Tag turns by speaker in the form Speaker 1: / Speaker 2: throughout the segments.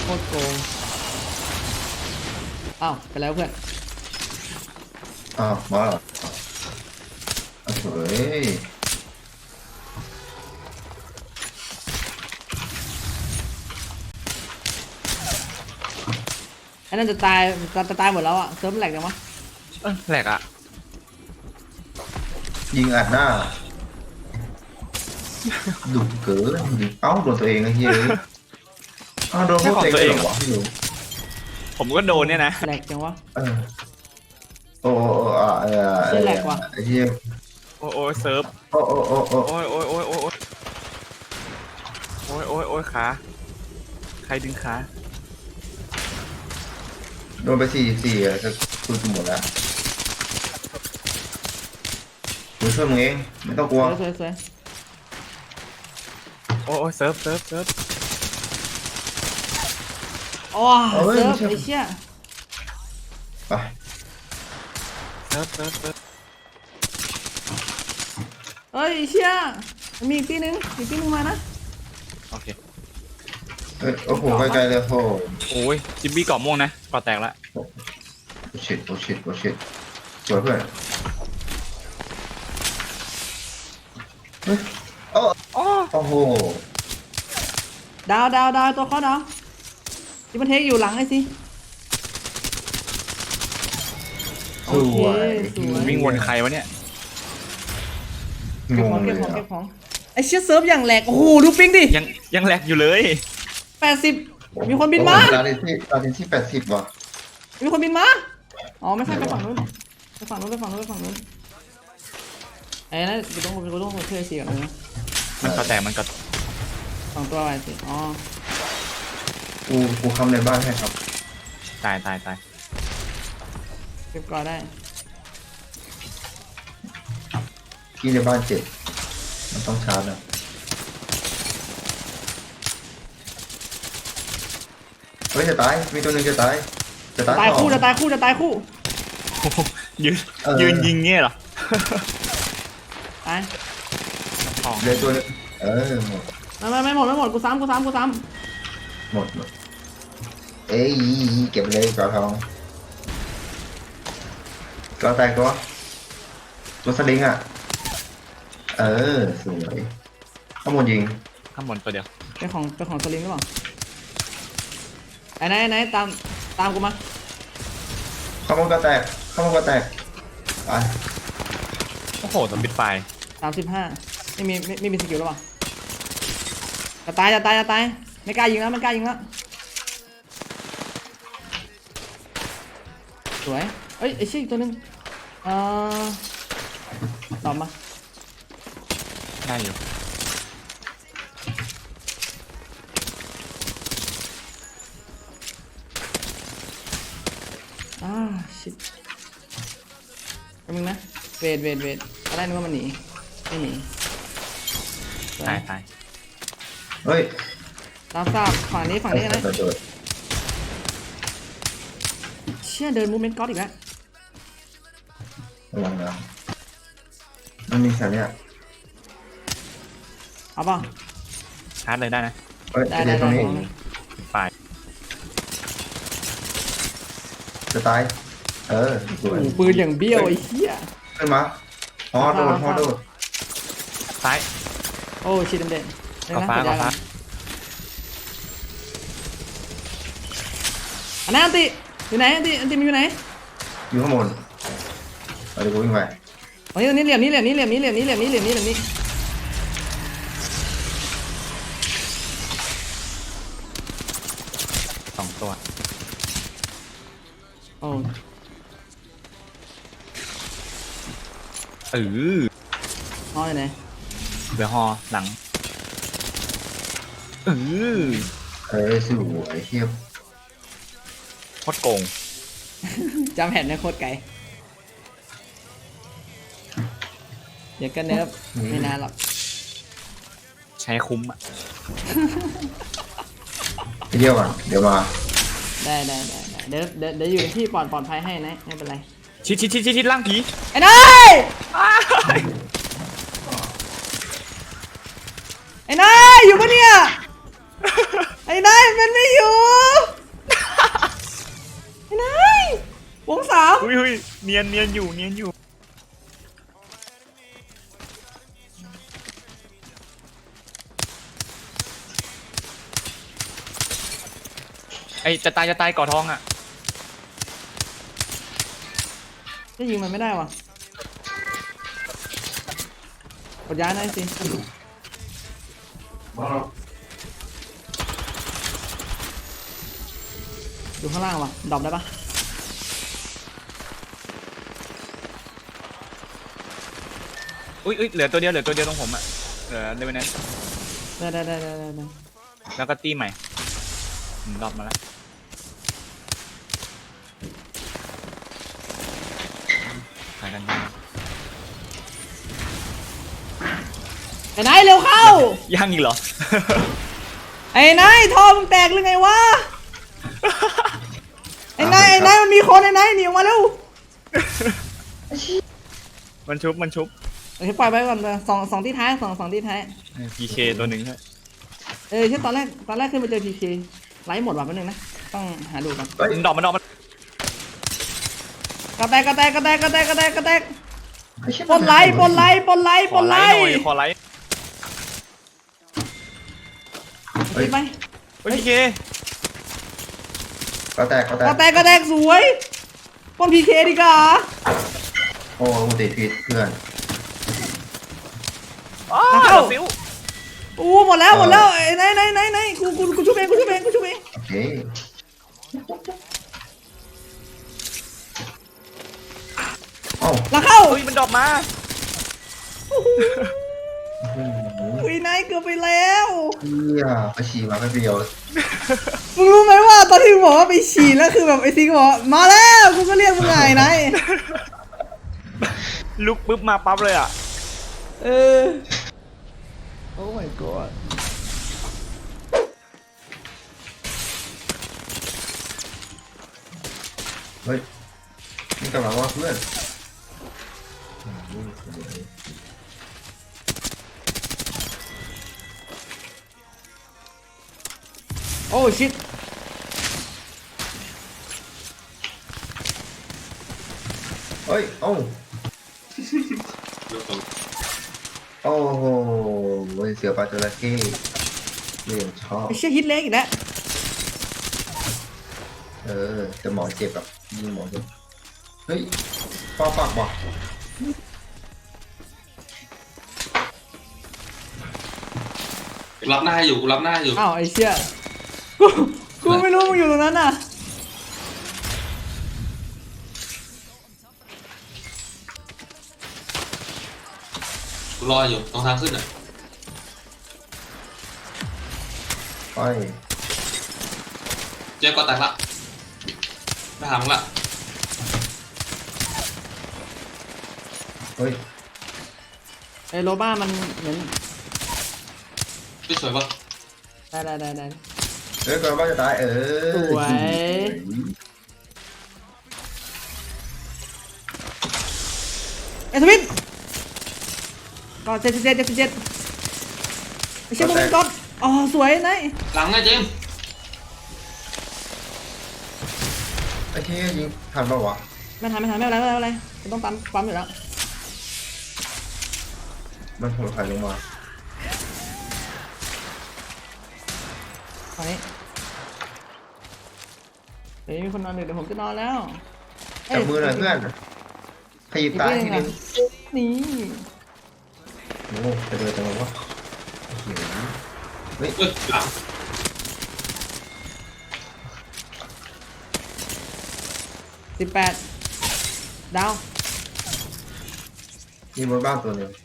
Speaker 1: ตรโกงอ้าวไปแล้วเพื่อน
Speaker 2: มาเหรอเฮ้ย
Speaker 1: ไอ้นั่นจะตายจะตายหมดแล้วอ่ะเซิร์ฟแหลกจังวะ
Speaker 3: แหลกอ่ะ
Speaker 2: ยิงอัดหน้าดุเกินเอ้าโดนตัวเองไอ้เหี้ยโดนพวกตัวเองเหรอพี่หนู
Speaker 3: ผมก็โดนเนี่ยนะ
Speaker 1: แหลกจังวะ
Speaker 2: โอ้ไอ้เหี้ย
Speaker 3: โอ้ยเซิร์ฟ
Speaker 2: โอ้
Speaker 3: โอ้ยขาใครดึงขา
Speaker 2: โดนไป4จะคุณหมดแล้วกูช่วยมึงเองไม่ต้องกลัว
Speaker 1: สวย
Speaker 3: โอ้ยเซิร์ฟ
Speaker 1: โอ้เซิร์ฟไอ้เชี่ย
Speaker 2: ไป
Speaker 3: เซิร์ฟ
Speaker 1: เฮ้ยไอ้เชี่ยมีอีกทีนึงมานะ
Speaker 3: โอเค
Speaker 2: โอ้โหไกลๆเลยโอ้
Speaker 3: โอ้ยจิมบี้เกาะม่วงนะเกาะแตกละ
Speaker 2: ชิตสวยเพื่อนโอ้โห
Speaker 1: ดาวตัวเขาดาวที่มันเทคอยู่หลังไอ้สิ
Speaker 2: สวย
Speaker 3: วิ่งวนใครวะเนี่ย
Speaker 1: เก็บของไอ้เชี่ยเซิร์ฟอย่างแหลกโอ้โหดูปิงดิ
Speaker 3: ยังแหลกอยู่เลย
Speaker 1: 80มีคนบินมา
Speaker 2: ดาวที่80ว่ะ
Speaker 1: มีคนบินมาอ๋อไม่ใช่ไปฝั่งนู้นไอ้นั่นกูต้องช่วยสิก่อนนะ
Speaker 3: มันเกาะแตกมันเกาะ
Speaker 1: 2 ตัวไปสิอ๋อ
Speaker 2: กูคำในบ้านให้ครับ
Speaker 3: ตาย
Speaker 1: เก็บก่อนได้
Speaker 2: ที่ในบ้านเจ็บมันต้องชาร์จนะเฮ้ยจะตายมีตัวหนึ่งจะตาย
Speaker 1: ตายคู่
Speaker 3: โอ้โหยืนยิงเงี้ยเหรอ
Speaker 1: ตาย
Speaker 3: ของ
Speaker 2: เลยตัวนึงหมด
Speaker 1: ไม่หมดกูซ้ำ
Speaker 2: หมดเอ้ยเก็บเลยกระทองกระแตกตัวสลิงอ่ะสวยข้างบนยิง
Speaker 3: ข้างบนตัวเดียว
Speaker 1: เป็นของสลิงหรือเปล่าไอ้ไหนตามกูมา
Speaker 2: ข้างบนกระแตกไป
Speaker 3: โอ้โหตัวปิดไฟ
Speaker 1: 35ไม่มีสกิลหรือเปล่าจะตายไม่กล้ายิงแล้วสวยเอ้ยไอ้ชี้อีกตัวนึงตอบมา
Speaker 3: ได้อยู่
Speaker 1: ชิตแป๊บนึงนะเวทอะไรนึกว่ามันหนีไม่หนี
Speaker 3: ตาย
Speaker 2: เฮ้ย
Speaker 1: ตามทราบฝั่งนี้นะ เชี่ยเดินมูเมนต์ก๊อตอีกแล้ว
Speaker 2: ระวังนะมันมีสัญญาณ
Speaker 1: เอาเปล่า
Speaker 3: ชาร์จเลยได้นะ
Speaker 2: เฮ้ย
Speaker 1: ได้
Speaker 2: เดี๋ยวตรงนี้
Speaker 3: ปิดไฟ
Speaker 2: จะตายสวย
Speaker 1: ปืนอย่างเบี้ยวไอ้เหี้ย
Speaker 2: ขึ้นมาฮอโดด
Speaker 3: ซ้าย
Speaker 1: โอ้ชิดเด่น
Speaker 3: กาฟ้า
Speaker 1: อันนั้นอันติอยู่ไหนอันติมันอยู่ไหน
Speaker 2: อยู่ข้างบนเดี๋ยวกูวิ่งไป
Speaker 1: ตรงนี้เหลี่ยมนี้
Speaker 3: 2 ตัว
Speaker 1: โอ้ ห้อยไหน
Speaker 3: เดี๋ยวฮอหลัง
Speaker 2: สวยเทียบ
Speaker 3: โคตรโกง
Speaker 1: จำแผ่นในโคตรไกลเดี๋ยวก็เนิร์ฟไม่นานหรอก
Speaker 3: ใช้คุ้มอ่ะ
Speaker 2: ไปเที่ยวก่อนเดี๋ยวมา
Speaker 1: ได้เดี๋ยวอยู่ในที่ปลอดภัยให้นะไม่เป็นไร
Speaker 3: ชิดล่างผี
Speaker 1: ไอ้นายไอ้นายอยู่ปะเนี่ยไอ้นายมันไม่อยู่วงสาม
Speaker 3: อุ้ยเนียนอยู่ไอจะตายก่อทองอ่ะ
Speaker 1: จะยิงมันไม่ได้วะกดย้ายหน่อยสิอยู่ข้างล่างวะดรอปได้ปะ
Speaker 3: อุ้ยเหลือตัวเดียวตรงผมอ่ะเหลือเดวินนั้น
Speaker 1: ได้
Speaker 3: แล้วก็ตีใหม่รอบมาแล้วหายกันยัง
Speaker 1: ไอ้นายเร็วเข้า
Speaker 3: ยังอีกเหรอ
Speaker 1: ไอ้นายท่อมึงแตกหรือไงวะ ไอ้นายมันมีคนไอ้นายหนีออกมาเร็ว
Speaker 3: มันชุบ
Speaker 1: โอเคปล่อยไปก่อนเลยสองที่ท้ายสองที่ท้าย
Speaker 3: PK ตัวหนึ่งใช่
Speaker 1: ใช่ตอนแรกขึ้นไปเจอ PK ไลฟ์หมดว่ะแป๊บนึงนะต้องหาดูก่อน
Speaker 3: มันดอก
Speaker 1: กระแตกปนไลฟ์
Speaker 3: ขอไลท์หน่อย
Speaker 1: ไป
Speaker 3: เฮ้ย PK
Speaker 2: ก็แตก
Speaker 1: กระแตกสวยปน PK ดีกว่า
Speaker 2: โอ้กูติดพิษเพื่อน
Speaker 1: เข้า
Speaker 3: ฟิว
Speaker 1: อู้หมดแล้วไอ้ไหนกูชุบเอง
Speaker 2: โอเคเอ้า
Speaker 1: หลังเข้า
Speaker 3: เฮ้ยมันดอกมา
Speaker 1: อุ้ยนายเกือบไปแล้ว
Speaker 2: เฮียไปฉี่มาแป๊บเดียว
Speaker 1: มึงรู้ไหมว่าตอนที่มึงบอกว่าไปฉี่แล้วคือแบบไอ้ซิงบอกว่ามาแล้วกูก็เรียกมึงไงนาย
Speaker 3: ลุกปุ๊บมาปั๊บเลยอ่ะ
Speaker 1: โอ้ my god
Speaker 2: เฮ้ยนี่กำลังว่าเพื่อน
Speaker 1: โอ้ชิต
Speaker 2: เฮ้ยเอ้าโอ้โหเสือปลาจระเข้เรื่องชอบ
Speaker 1: ไอ้เชี่ยฮิตเล็กอีกแล้ว
Speaker 2: แต่หมอเจ็บแบบยิงหมอเจ็บเฮ้ยปอปากว่ะ
Speaker 4: รับหน้าอยู่รับหน้าอยู่
Speaker 1: อ้าวไอ้เชี่ยกูไม่รู้มึงอยู่ตรงนั้นน่ะ
Speaker 4: รออยู่ตรงทางขึ้นอ่ะ
Speaker 2: ไป
Speaker 4: เจ๊ก็แตกละไม่หามึงละ
Speaker 2: เฮ้ย
Speaker 1: ไอ้โรบ้ามันเหมือน
Speaker 4: ไม่สวยปะ
Speaker 1: ได้
Speaker 2: เฮ้ยก่อนว่าจะตาย
Speaker 1: สวย ไอ้ทวิตก็77ไอ้เชี่ยมึงเป็นก๊อตอ๋อสวยนาย
Speaker 4: หลังไงเจมส์
Speaker 2: ไอ้ที่ยิงทันปะวะ
Speaker 1: ไม่ทันไม่เป็นไรกูต้องปั๊มอยู่แล้ว
Speaker 2: มันหัวไข่ลงมา
Speaker 1: ตอนนี้เดี๋ยวมีคนนอนดึกเดี๋ยวผมจะนอนแล้ว
Speaker 2: จับมือหน่อยเพื่อนขยิบตาทีนึง
Speaker 1: นี่
Speaker 2: โอ้ไปเลยจังวะเฮ้ย
Speaker 4: หลัง
Speaker 1: 18ดาว
Speaker 2: มีบนบ้านตัวหนึ่ง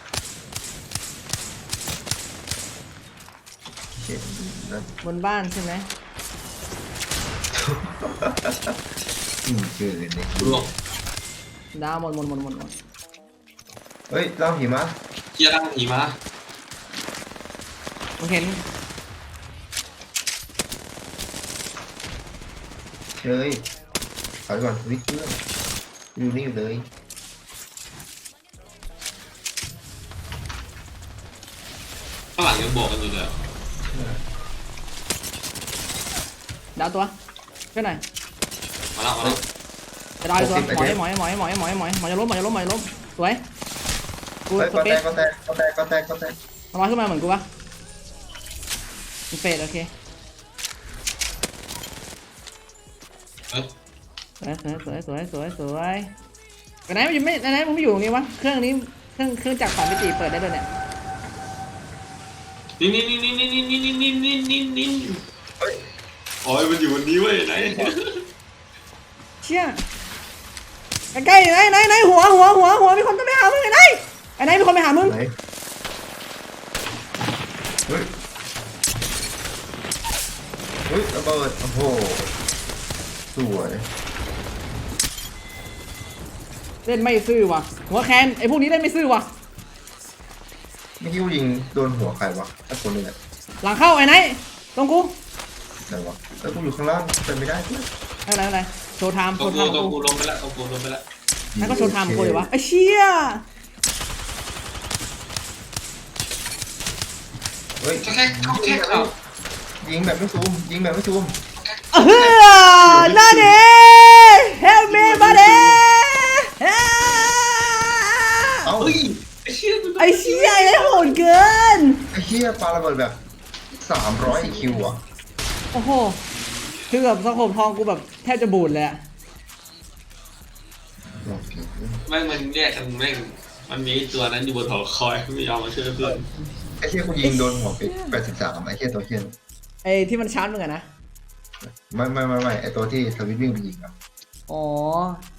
Speaker 2: เห็นนั่น
Speaker 1: บนบ้านใช่ไหม
Speaker 2: เจอเลย
Speaker 4: รวม
Speaker 1: ดาวหมด
Speaker 2: เฮ้ยเล่าหิมะ
Speaker 4: เคลียร์ร่างผีมา
Speaker 1: ผมเห็น
Speaker 2: เชยถอยก่อนวิทย์เพื่อนอยู่นี่อยู่เลย
Speaker 4: ข้างหลังยังบอกกันอยู่เลย
Speaker 1: ดาวตัวช่วยหน่อย
Speaker 4: มาแล้ว
Speaker 1: จะได้ตัวหมอยจะล้มสวยกู
Speaker 2: เฮ้ย
Speaker 1: ส
Speaker 2: ก็
Speaker 1: เป
Speaker 2: แต
Speaker 1: ซ
Speaker 2: ก
Speaker 1: มันลอยขึ้นมาเหมือนกูปะมันเฟดโอเค
Speaker 4: เอ้ย
Speaker 1: สวยไปไหนมันอยู่ไม่ไหนมึงไม่อยู่ตรงนี้วะเครื่องนี้เครื่องจักรสามมิติเปิดได้ด้วยเนี่ย
Speaker 4: นี่อ๋อมันอยู่บนนี้เว้ยไหน
Speaker 1: เชี่ยใกล้ไหนหัวมีคนต้องไปหามึงไหนมีคนไปหามึง
Speaker 2: ไหนเฮ้ยระเบิดโอ้โหสวย
Speaker 1: เล่นไม่ซื่อว่ะหัวแคนไอ้พวกนี้เล่นไม่ซื่อว่ะ
Speaker 2: ไม่คิดว่ายิงโดนหัวใครวะถ้าคนนึงอะ
Speaker 1: หลังเข้าไอ้ไหนตรงกู
Speaker 2: ไหนวะแล้วกูอยู่ข้างล่างเป็นไม่ได้เพื่อน
Speaker 1: อะไรโชว์ไทม์
Speaker 4: ตัว
Speaker 1: กู
Speaker 4: กูลงไปแล้วตัวกูลงไปแล้ว
Speaker 1: นั่นก็โชว์ไทม์กูเลยวะไอ้เชี่ย
Speaker 2: เฮ้ย
Speaker 4: แค่เข้า
Speaker 2: ยิงแบบไม่ซูม
Speaker 1: นั่นเอง help me buddy
Speaker 2: เอ้า
Speaker 4: เฮ้ยไอ้เชี่ย
Speaker 1: ไอ้เชี่ยไอ้โหดเกิน
Speaker 2: ไอ้เหี้ยปาระเบิดแบบ300 คิวอ่ะ
Speaker 1: โอ้โหคือแบบสโคปทองกูแบบแทบจะบูดเลยอะ
Speaker 4: แม่งมันแยกกันแม่งมันมีตัวนั้นอยู่บนหอคอยไม่ยอมมาช่วยเพื่อน
Speaker 2: ไอ้เหี้ยกูยิงโดนหัวไป83ไอ้เหี้ยตัวเหี้ย
Speaker 1: ไอ้ที่มันชาร์จมึงอะนะ
Speaker 2: ไม่ไอ้ตัวที่สวิตช์วิ่งไปยิงอ่ะ
Speaker 1: อ๋อ